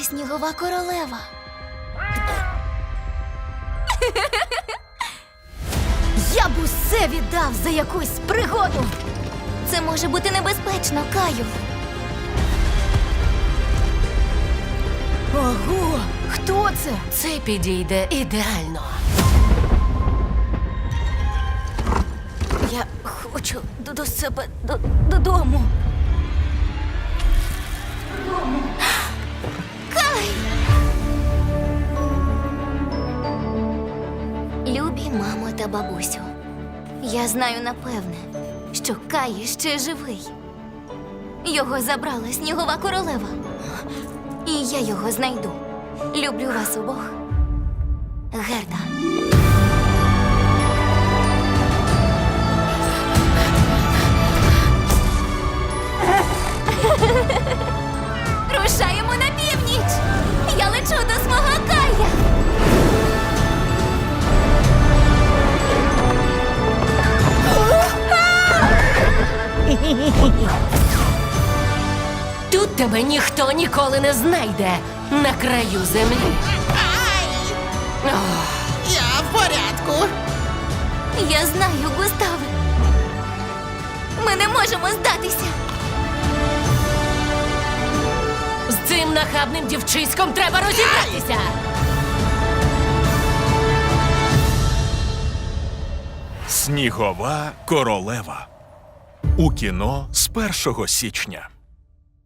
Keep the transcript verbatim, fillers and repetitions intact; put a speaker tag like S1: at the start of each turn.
S1: снігова королева. Я б усе віддав за якусь пригоду. Це може бути небезпечно, Каю. Ого, хто це?
S2: Це підійде ідеально.
S1: Я хочу до, до себе до, додому. Кай! Любі мамо та бабусю, я знаю напевне, що Кай ще живий. Його забрала снігова королева. І я його знайду. Люблю вас обох. Герда. Рушаємо на північ! Я лечу до свого Кая!
S2: Тут тебе ніхто ніколи не знайде на краю землі. Ох,
S3: Я в порядку.
S1: Я знаю, Густаве. Ми не можемо здатися.
S2: з цим нахабним дівчиськом треба розібратися.
S4: Снігова королева. У кіно з першого січня.